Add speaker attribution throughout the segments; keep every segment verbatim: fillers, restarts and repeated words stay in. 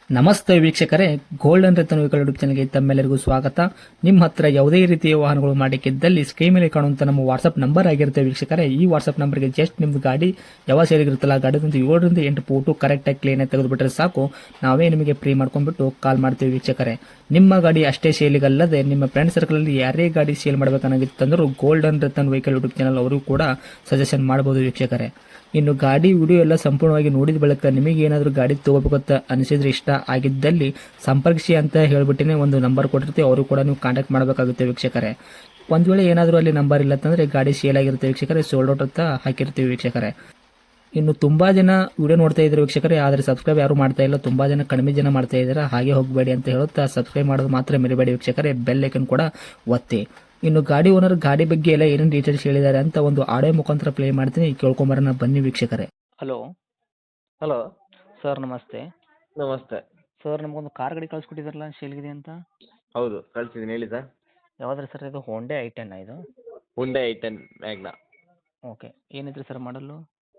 Speaker 1: ನಮಸ್ತೆ ವೀಕ್ಷಕರೇ, golden Ratan vehicle YouTube ಚಾನಲ್ಗೆ ತಮ್ಮೆಲ್ಲರಿಗೂ ಸ್ವಾಗತ. ನಿಮ್ಮ ಹತ್ರ ಯಾವುದೇ ರೀತಿಯ ವಾಹನಗಳು ಮಾಡಿಕ್ಕಿದ್ದಲ್ಲಿ ಸ್ಕ್ರೀನ್ ಮೇಲೆ ಕಾಣುವಂತ ನಮ್ಮ ವಾಟ್ಸ್ಆಪ್ ನಂಬರ್ ಆಗಿರುತ್ತೆ ವೀಕ್ಷಕರೇ. ಈ ವಾಟ್ಸ್ಆಪ್ ನಂಬರ್ಗೆ ಜಸ್ಟ್ ನಿಮ್ದು ಗಾಡಿ ಯಾವ ಸೇರಿಗಿರುತ್ತಲ್ಲ ಗಾಡಿದಂತ ಏಳರಿಂದ ಎಂಟು ಫೋಟೋ ಕರೆಕ್ಟಾಗಿ ಕ್ಲೀನ್ ಆಗಿ ತೆಗೆದುಬಿಟ್ರೆ ಸಾಕು, ನಾವೇ ನಿಮಗೆ ಫ್ರೀ ಮಾಡ್ಕೊಂಡ್ಬಿಟ್ಟು ಕಾಲ್ ಮಾಡ್ತೀವಿ ವೀಕ್ಷಕರೇ. ನಿಮ್ಮ ಗಾಡಿ ಅಷ್ಟೇ ಸೇಲಿಗಲ್ಲದೆ ನಿಮ್ಮ ಫ್ರೆಂಡ್ ಸರ್ಕಲ್ ಅಲ್ಲಿ ಯಾರೇ ಗಾಡಿ ಸೇಲ್ ಮಾಡಬೇಕನ್ನಾಗಿತ್ತಂದ್ರೂ golden Ratan vehicle YouTube channel ಅವರು ಕೂಡ ಸಜೆಷನ್ ಮಾಡಬಹುದು ವೀಕ್ಷಕರೇ. ಇನ್ನು ಗಾಡಿ ವಿಡಿಯೋ ಎಲ್ಲ ಸಂಪೂರ್ಣವಾಗಿ ನೋಡಿದ ಬಳಿಕ ನಿಮಗೆ ಏನಾದರೂ ಗಾಡಿ ತಗೋಬೇಕಂತ ಅನಿಸಿದ್ರೆ, ಇಷ್ಟ ಆಗಿದ್ದಲ್ಲಿ ಸಂಪರ್ಕಿಸಿ ಅಂತ ಹೇಳ್ಬಿಟ್ಟಿನೇ ಒಂದು ನಂಬರ್ ಕೊಟ್ಟಿರ್ತೀವಿ, ಅವರು ಕೂಡ ನೀವು ಕಾಂಟ್ಯಾಕ್ಟ್ ಮಾಡಬೇಕಾಗುತ್ತೆ ವೀಕ್ಷಕರೇ. ಒಂದು ವೇಳೆ ಏನಾದರೂ ಅಲ್ಲಿ ನಂಬರ್ ಇಲ್ಲ ಅಂತಂದರೆ ಗಾಡಿ ಸೇಲ್ ಆಗಿರುತ್ತೆ ವೀಕ್ಷಕರೇ, ಸೋಲ್ಡ್ ಔಟ್ ಅಂತ ಹಾಕಿರ್ತೀವಿ ವೀಕ್ಷಕರೇ. ಇನ್ನು ತುಂಬ ಜನ ವಿಡಿಯೋ ನೋಡ್ತಾ ಇದ್ದಾರೆ ವೀಕ್ಷಕರೇ, ಆದರೆ ಸಬ್ಸ್ಕ್ರೈಬ್ ಯಾರು ಮಾಡ್ತಾ ಇಲ್ಲ, ತುಂಬ ಜನ ಕಡಿಮೆ ಜನ ಮಾಡ್ತಾ ಇದ್ದಾರೆ. ಹಾಗೆ ಹೋಗಬೇಡಿ ಅಂತ ಹೇಳುತ್ತಾ ಸಬ್ಸ್ಕ್ರೈಬ್ ಮಾಡೋದು ಮಾತ್ರ ಮರಿಬೇಡಿ ವೀಕ್ಷಕರೇ, ಬೆಲ್ ಐಕನ್ ಕೂಡ ಒತ್ತಿ. ಇನ್ನು ಗಾಡಿ ಓನರ್ ಗಾಡಿ ಬಗ್ಗೆ ಎಲ್ಲ ಏನೇನು ಡೀಟೇಲ್ಸ್ ಹೇಳಿದ್ದಾರೆ ಅಂತ ಒಂದು ಆಡಿಯೋ ಮುಖಾಂತರ ಪ್ಲೇ ಮಾಡ್ತೀನಿ, ಕೇಳ್ಕೊಂಬರೋಣ ಬನ್ನಿ ವೀಕ್ಷಕರೇ. ಹಲೋ
Speaker 2: ಹಲೋ
Speaker 1: ಸರ್, ನಮಸ್ತೆ.
Speaker 2: ನಮಸ್ತೆ.
Speaker 1: ಸರ್, ನಮಗೊಂದು ಕಾರ್ ಗಾಡಿ ಕಳಿಸ್ಕೊಟ್ಟಿದ್ರಲ್ಲ ಸೇಲ್ಗಿದೆ ಅಂತ.
Speaker 2: ಹೌದು, ಕಳ್ಸಿದ್ದೀನಿ ಹೇಳಿ ಸರ್.
Speaker 1: ಯಾವ್ದು ಸರ್ ಇದು? ಹೋಂಡೆ ಐ ಟೆನ್ ಇದು?
Speaker 2: Hyundai i ten Magna
Speaker 1: okay. ಏನೈತ್ರಿ ಸರ್ ಮಾಡಲು?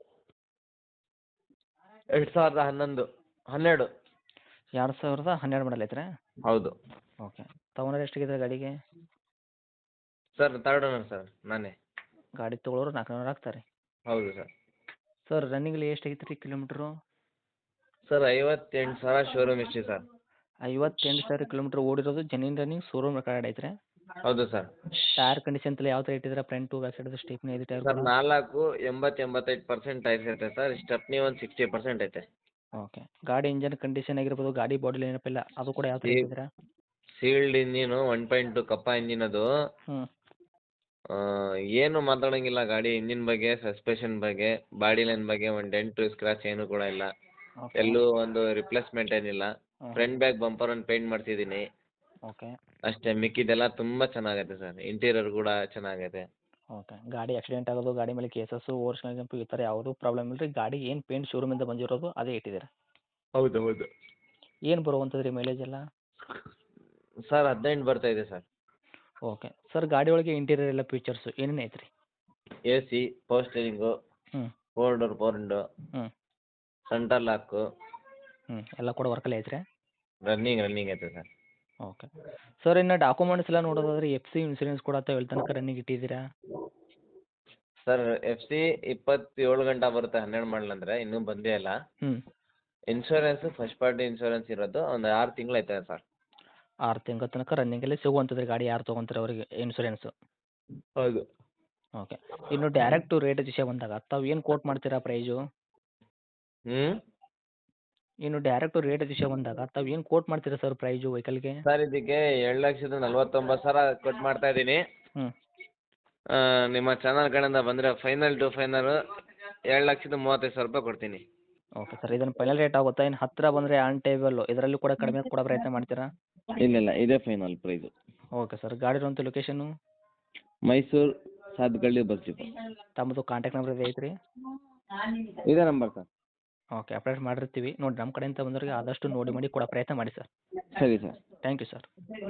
Speaker 2: ಎರಡು ಸಾವಿರದ ಹನ್ನೊಂದು ಹನ್ನೆರಡು
Speaker 1: ಎರಡು ಸಾವಿರದ ಹನ್ನೆರಡು ಮಾಡಲ್ ಐತ್ರಿ?
Speaker 2: ಹೌದು
Speaker 1: ಓಕೆ. ತಗೊಂಡ್ರೆ ಎಷ್ಟಾಗಿದೆ ಗಾಡಿಗೆ?
Speaker 2: ಸರ್, ತರ್ಡ್ ಓನರ್ ಸರ್, ನಾನೇ.
Speaker 1: ಗಾಡಿ ತೊಗೊಳೋರು ನಾಲ್ಕು ಆಗ್ತಾರೆ.
Speaker 2: ಹೌದು ಸರ್.
Speaker 1: ಸರ್, ರನ್ನಿಂಗಲ್ಲಿ ಎಷ್ಟು ಆಗೈತೆ ರೀ ಕಿಲೋಮೀಟ್ರು?
Speaker 2: ಸರ್, ಐವತ್ತೆಂಟು ಸಾವಿರ ಶೋರೂಮ್ ಇಷ್ಟು ಸರ್.
Speaker 1: ಐವತ್ತೆಂಟು ಸಾವಿರ ಕಿಲೋಮೀಟ್ರ್ ಓಡಿರೋದು, ಜೆನ್ಯೂನ್ ರನ್ನಿಂಗ್, ಶೋರೂಮ್ ರೆಕಾರ್ಡ್ ಐತ್ರಿ?
Speaker 2: ಹೌದು ಸರ್.
Speaker 1: ಟೈರ್ ಕಂಡೀಷನ್ ಎಲ್ಲ ಯಾವ ಥರ ಇಟ್ಟಿದ್ರೆ? ಫ್ರಂಟು ಬ್ಯಾಕ್ ಸೈಡ್ ಸ್ಟೇಪ್ನಿ ಐದು ಟೈರ್?
Speaker 2: ಸರ್, ನಾಲ್ಕು ಎಂಬತ್ತು ಎಂಬತ್ತೈದು ಪರ್ಸೆಂಟ್ ಐತೆ ಸರ್. ಸ್ಟೆಪ್ನಿ ಒಂದು ಸಿಕ್ಸ್ಟಿ ಪರ್ಸೆಂಟ್ ಐತೆ.
Speaker 1: ಓಕೆ. ಗಾಡಿ ಇಂಜನ್ ಕಂಡೀಷನ್ ಆಗಿರ್ಬೋದು, ಗಾಡಿ ಬಾಡಿ ಏನಪ್ಪಿಲ್ಲ ಅದು ಕೂಡ ಯಾವ ಥರ ಇಟ್ಟಿದ್ದೀರಾ?
Speaker 2: Sealed engine, one point two ಕಪ್ಪ ಇಂಜಿನ್ ಅದು.
Speaker 1: ಹ್ಞೂ.
Speaker 2: ಏನು ಮಾತಾಡೋಂಗಿಲ್ಲ ಗಾಡಿ ಇಂಜಿನ್ ಬಗ್ಗೆ, ಸಸ್ಪೆಷನ್ ಬಗ್ಗೆ, ಬಾಡಿ ಲೈನ್ ಬಗ್ಗೆ ಒಂದು ಡೆಂಟು ಸ್ಕ್ರಾಚ್ ಏನು ಕೂಡ ಇಲ್ಲ.
Speaker 1: ಓಕೆ.
Speaker 2: ಎಲ್ಲೂ ಒಂದು ರಿಪ್ಲೇಸ್ಮೆಂಟ್ ಏನಿಲ್ಲ.
Speaker 1: ಹ್ಞೂ.
Speaker 2: ಫ್ರಂಟ್ ಬ್ಯಾಕ್ ಬಂಪರ್ ಒಂದು ಪೇಂಟ್ ಮಾಡ್ತಿದ್ದೀನಿ
Speaker 1: ಓಕೆ.
Speaker 2: ಅಷ್ಟೇ. ಮಿಕ್ಕಿದೆಲ್ಲ ತುಂಬ ಚೆನ್ನಾಗೈತೆ ಸರ್. ಇಂಟೀರಿಯರ್ ಕೂಡ ಚೆನ್ನಾಗೈತೆ.
Speaker 1: ಓಕೆ. ಗಾಡಿ ಆಕ್ಸಿಡೆಂಟ್ ಆಗೋದು, ಗಾಡಿ ಮೇಲೆ ಕೇಸಸ್ಸು, ಓವರ್ಸ್ನ ಜಂಪು ಈ ಥರ ಯಾವುದೂ ಪ್ರಾಬ್ಲಮ್ ಇಲ್ಲ ರೀ? ಗಾಡಿ ಏನು ಪೇಂಟ್ ಶೋರೂಮಿಂದ ಬಂದಿರೋದು ಅದೇ ಇಟ್ಟಿದ್ದೀರಾ?
Speaker 2: ಹೌದು ಹೌದು
Speaker 1: ಏನು ಬರುವಂಥದ್ದು ರೀ ಮೈಲೇಜ್ ಎಲ್ಲ?
Speaker 2: ಸರ್, ಹದಿನೆಂಟು ಬರ್ತಾ ಇದೆ ಸರ್.
Speaker 1: ಓಕೆ. ಸರ್, ಗಾಡಿ ಒಳಗೆ ಇಂಟೀರಿಯರ್ ಎಲ್ಲ ಫೀಚರ್ಸು ಏನೇನು ಐತ್ರಿ?
Speaker 2: ಎ ಸಿ, ಪವರ್ ಸ್ಟೇರಿಂಗು,
Speaker 1: ಹ್ಞೂ.
Speaker 2: ಫೋರ್ ಡೋರ್ ಫೋರ್ ವಿಂಡೋ,
Speaker 1: ಹ್ಞೂ.
Speaker 2: ಸೆಂಟರ್ ಲಾಕು,
Speaker 1: ಹ್ಞೂ ಎಲ್ಲ ಕೂಡ ವರ್ಕಲ್ಲಿ ಐತ್ರಿ?
Speaker 2: ರನ್ನಿಂಗ್ ರನ್ನಿಂಗ್ ಐತೆ ಸರ್.
Speaker 1: ಓಕೆ. ಸರ್, ಇನ್ನು ಡಾಕ್ಯುಮೆಂಟ್ಸ್ ಎಲ್ಲ ನೋಡೋದಾದ್ರೆ ಎಫ್ ಸಿ ಇನ್ಸೂರೆನ್ಸ್ ಕೂಡ ತಾವು ಎಲ್ಲಿ ತನಕ ರನ್ನಿಂಗ್ ಇಟ್ಟಿದ್ದೀರಾ?
Speaker 2: ಸರ್, ಎಫ್ ಸಿ ಇಪ್ಪತ್ತೇಳು ಗಂಟೆ ಬರುತ್ತೆ, ಹನ್ನೆರಡು ಮಾಡಲ್ ಅಂದರೆ ಇನ್ನೂ ಬಂದೇ ಇಲ್ಲ.
Speaker 1: ಹ್ಞೂ.
Speaker 2: ಇನ್ಶೂರೆನ್ಸ್ ಫಸ್ಟ್ ಪಾರ್ಟಿ ಇನ್ಶೂರೆನ್ಸ್ ಇರೋದು ಒಂದು ಆರು ತಿಂಗಳು ಐತೆ ಸರ್.
Speaker 1: ಆರು ತಿಂಗಳ ತನಕ ರನ್ನಿಂಗಲ್ಲಿ ಸಿಗುವಂಥದ್ದು ಗಾಡಿ ಯಾರು ತೊಗೊಂತಾರೆ ಅವರಿಗೆ ಇನ್ಸೂರೆನ್ಸು?
Speaker 2: ಹೌದು.
Speaker 1: ಓಕೆ. ಇನ್ನು ಡೈರೆಕ್ಟು ರೇಟ್ ವಿಷಯ ಬಂದಾಗ ತಾವು ಏನು ಕೋಟ್ ಮಾಡ್ತೀರಾ ಪ್ರೈಸು?
Speaker 2: ಹ್ಞೂ
Speaker 1: ಇನ್ನು ಡೈರೆಕ್ಟು ರೇಟ್ ವಿಷಯ ಬಂದಾಗ ತಾವು ಏನು ಕೋಟ್ ಮಾಡ್ತೀರಾ ಸರ್ ಪ್ರೈಸು ವೆಹಿಕಲ್ಗೆ?
Speaker 2: ಸರ್, ಇದಕ್ಕೆ ಎರಡು ಲಕ್ಷದ ನಲ್ವತ್ತೊಂಬತ್ತು ಸಾವಿರ ಕೊಟ್ಟು ಮಾಡ್ತಾ ಇದ್ದೀನಿ.
Speaker 1: ಹ್ಞೂ.
Speaker 2: ನಿಮ್ಮ ಚಾನಲ್ ಕಡೆಯಿಂದ ಬಂದರೆ ಫೈನಲ್ ಟು ಫೈನಲ್ ಎರಡು ಲಕ್ಷದ ಮೂವತ್ತೈದು ಸಾವಿರ ರೂಪಾಯಿ ಕೊಡ್ತೀನಿ.
Speaker 1: ಓಕೆ ಸರ್, ಇದನ್ನು ಫೈನಲ್ ರೇಟ್ ಆಗುತ್ತಾ? ಇನ್ನು ಹತ್ತಿರ ಬಂದರೆ ಆನ್ ಟೇಬಲ್ಲು ಇದರಲ್ಲೂ ಕೂಡ ಕಡಿಮೆ ಕೊಡೋ ಪ್ರಯತ್ನ ಮಾಡ್ತೀರಾ?
Speaker 2: ಇಲ್ಲ ಇಲ್ಲ, ಇದೇ ಫೈನಲ್ ಪ್ರೈಸು.
Speaker 1: Okay sir. ಗಾಡಿ ಇರುವಂಥ location?
Speaker 2: Mysuru Sathgalli bus depot.
Speaker 1: ತಮ್ಮದು ಕಾಂಟ್ಯಾಕ್ಟ್ ನಂಬರ್ ಇದೆ ಐತ್ರಿ?
Speaker 2: ಇದೇ ನಂಬರ್ ಸರ್.
Speaker 1: ಓಕೆ, ಅಪ್ಡೇಟ್ ಮಾಡಿರ್ತೀವಿ ನೋಡಿ. ನಮ್ಮ ಕಡೆಯಿಂದ ಬಂದವರಿಗೆ ಆದಷ್ಟು ನೋಡಿ ಮಾಡಿ ಕೊಡೋ ಪ್ರಯತ್ನ ಮಾಡಿ ಸರ್.
Speaker 2: ಸರಿ ಸರ್.
Speaker 1: Thank you sir.